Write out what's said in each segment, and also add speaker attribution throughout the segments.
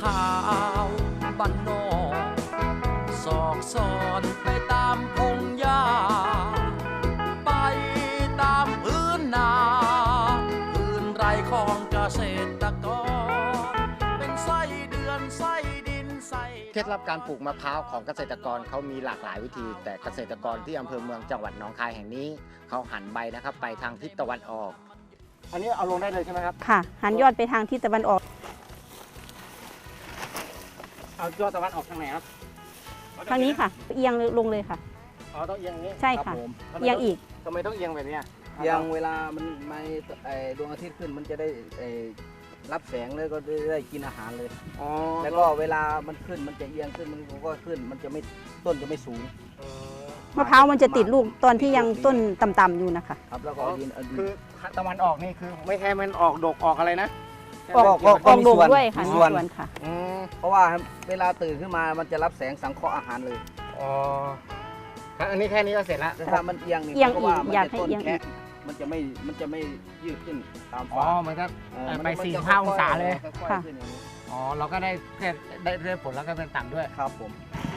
Speaker 1: ข่าวบ้านนอกสอกซอนไปตามพงหญ้าไปตามพื้นนาพื้นไรของเกษตรกรเป็นไส้เดือนไส้ดินไส้
Speaker 2: เคล็ดลับการปลูกมะพร้าวของเกษตรกรเขามีหลากหลายวิธี แต่เกษตรกรที่อำเภอเมืองจังหวัดหนองคายแห่งนี้เขาหันใบนะครับไปทางทิศตะวันออกอันนี้เอาลงได้เลยใช่ไหมครับ
Speaker 3: ค่ะหันยอดไปทางทิศตะวันออก
Speaker 2: เอายอดตะวันออกทางไหนครับ
Speaker 3: ทางนี้ค่ะเอียงลงเลยค่ะ
Speaker 2: อ๋อต้องเอียงนี้
Speaker 3: ใช่ค่ะเอียงอีก
Speaker 2: ทำไมต้องเอียงแบบนี้
Speaker 4: เอียงเวลามันมาดวงอาทิตย์ขึ้นมันจะได้รับแสงเลยก็ได้กินอาหารเลยแล้วก็เวลามันขึ้นมันจะเอียงขึ้นมันก็ขึ้นมันจะไม่ต้นจะไม่สูง
Speaker 3: มะพร้าวมันจะติดลูกตอนที่ยังต้นต่ำๆอยู่นะคะ
Speaker 4: ครับแล้วก็
Speaker 2: คือตะวันออกนี่คือไม่แค่มันออกดกออกอะไรนะ
Speaker 3: ออกดกด้วยค่ะมีส่วนค่ะ
Speaker 4: เพราะว่าเวลาตื่นขึ้นมามันจะรับแสงสังเคราะห์อาหารเลย
Speaker 2: อ๋ออันนี้แค่นี้ก็เสร็จแล้ว
Speaker 4: แต่ถ้ามันเอียงนี่เพราะว่ามันจะต้นแค่มันจะไม่ยืดขึ้นตาม
Speaker 2: ฟ้ามันก็ไป45 องศาเลย
Speaker 3: ค่ะ
Speaker 2: อ๋อเราก็ได้แค่ได้ผลแล้วก็เป็นต่ำด้วย
Speaker 4: ครับผม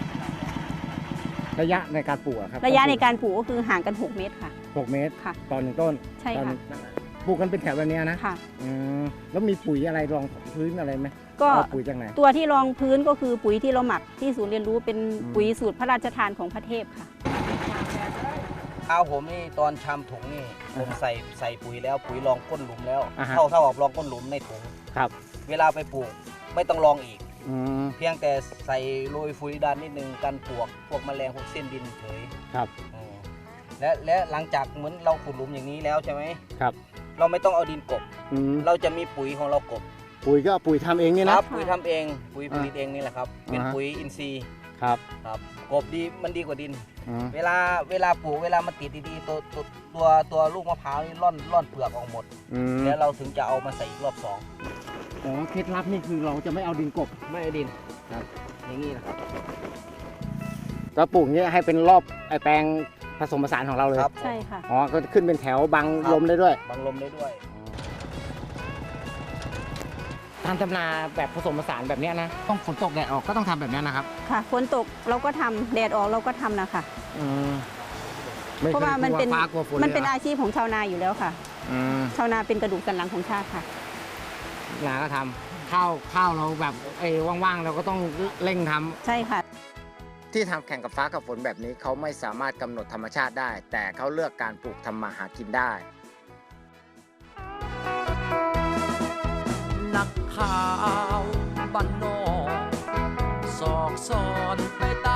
Speaker 2: ระยะในการปลูกครับ
Speaker 3: ระยะในการปลูกก็คือห่างกัน6 เมตรค่ะ
Speaker 2: 6 เมตร
Speaker 3: ค่ะ
Speaker 2: ต่อ1ต้น
Speaker 3: ใช่ค่ะ
Speaker 2: ปลูกกันเป็นแถวแบบนี้นะ
Speaker 3: ค่ะ
Speaker 2: แล้วมีปุ๋ยอะไรรองพื้นอะไรไหม
Speaker 3: ก็
Speaker 2: ปุ๋ยจากไหน
Speaker 3: ตัวที่รองพื้นก็คือปุ๋ยที่เราหมักที่ศูนย์เรียนรู้เป็นปุ๋ยสูตรพระราชทานของพระเทพค่ะ
Speaker 4: เอาผมนี่ตอนชำถุงนี่ผมใส่ปุ๋ยแล้วปุ๋ยรองก้นหลุมแล้วเท่ากับรองก้นหลุมในถุง
Speaker 2: ครับ
Speaker 4: เวลาไปปลูกไม่ต้องรองอีกเพียงแต่ใส่โรยฝุ่นดานนิดนึงกันปลวกพวกแมลงพวกเส้นดินเฉย
Speaker 2: ครับ
Speaker 4: และหลังจากเหมือนเราขุดหลุมอย่างนี้แล้วใช่ไหม
Speaker 2: ครับ
Speaker 4: เราไม่ต้องเอาดินกบเราจะมีปุ๋ยของเรากบ
Speaker 2: ปุ๋ยก็ปุ๋ยทำเองนี่
Speaker 4: นะครับปุ๋ยทำเองปุ๋ยผลิตเองนี่แหละครับเป็นปุ๋ยอินทรีย์
Speaker 2: ครับ
Speaker 4: กบดีมันดีกว่าดินเวลาปลูกเวลามันติดดีๆตัวลูกมะพร้าวนี่ร่อนเปลือกออกหมดแล้วเราถึงจะเอามาใส่อีกรอบ2
Speaker 2: อ๋อเคล็ดลับนี่คือเราจะไม่เอาดินกบ
Speaker 4: ไม่เอาดินครับอย่างนี้นะครับ
Speaker 2: แล้วปลูกนี้ให้เป็นรอบไอแปลงผสมผสานของเราเลย
Speaker 3: ใช่ค่ะ
Speaker 2: อ๋อก็ขึ้นเป็นแถวบังลมได้ด้วย
Speaker 4: บังลมได้ด้วย
Speaker 2: การทำนาแบบผสมผสานแบบนี้นะต้องฝนตกแดดออกก็ต้องทำแบบนี้นะครับ
Speaker 3: ค่ะฝนตกเราก็ทำแดดออกเราก็ทำนะคะเพราะว่ามันเป็นอาชีพของชาวนาอยู่แล้วค่ะชาวนาเป็นกระดูกสันหลังของชาติค่ะ
Speaker 2: นาก็ทำข้าวเราแบบว่างๆเราก็ต้องเร่งทำ
Speaker 3: ใช่ค่ะ
Speaker 2: ที่ทำแข่งกับฟ้ากับฝนแบบนี้เขาไม่สามารถกำหนดธรรมชาติได้แต่เขาเลือกการปลูกทำมาหากินได้
Speaker 1: นักข่าวบ้านนอกสอกซอนไปตาม